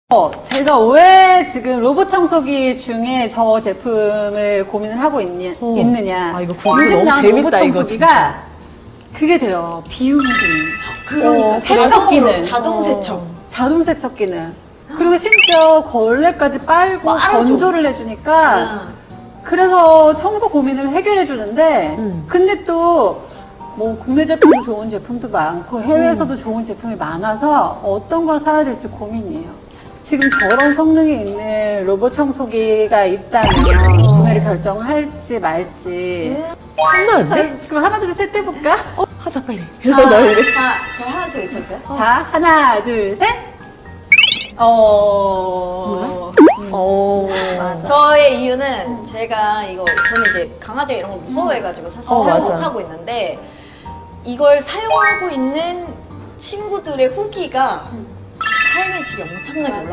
제가 왜 지금 로봇 청소기 중에 저 제품을 고민을 하고 있느냐. 아, 이거 구글 요즘 너무 나온 재밌다, 로봇 이거 청소기가 그게 돼요. 비움 기능. 그러니까 세척 기능. 자동 세척. 자동 세척 기능. 그리고 심지어 걸레까지 빨고 빨아줘. 건조를 해주니까 그래서 청소 고민을 해결해 주는데 근데 또 뭐 국내 제품도 좋은 제품도 많고 해외에서도 좋은 제품이 많아서 어떤 걸 사야 될지 고민이에요. 지금 저런 성능이 있는 로봇 청소기가 있다면 구매를 결정할지 말지. 끝나는데? 자, 그럼 하나 둘 셋 해볼까? 하자 빨리. 자, 나 이래. 저 하나 더 외쳤어요? 자, 하나 둘 셋. 맞아. 저의 이유는 제가 저는 이제 강아지 이런 걸 무서워해가지고 사실 사용 맞아. 못하고 있는데 이걸 사용하고 있는 친구들의 후기가 삶의 질이 엄청나게 올라.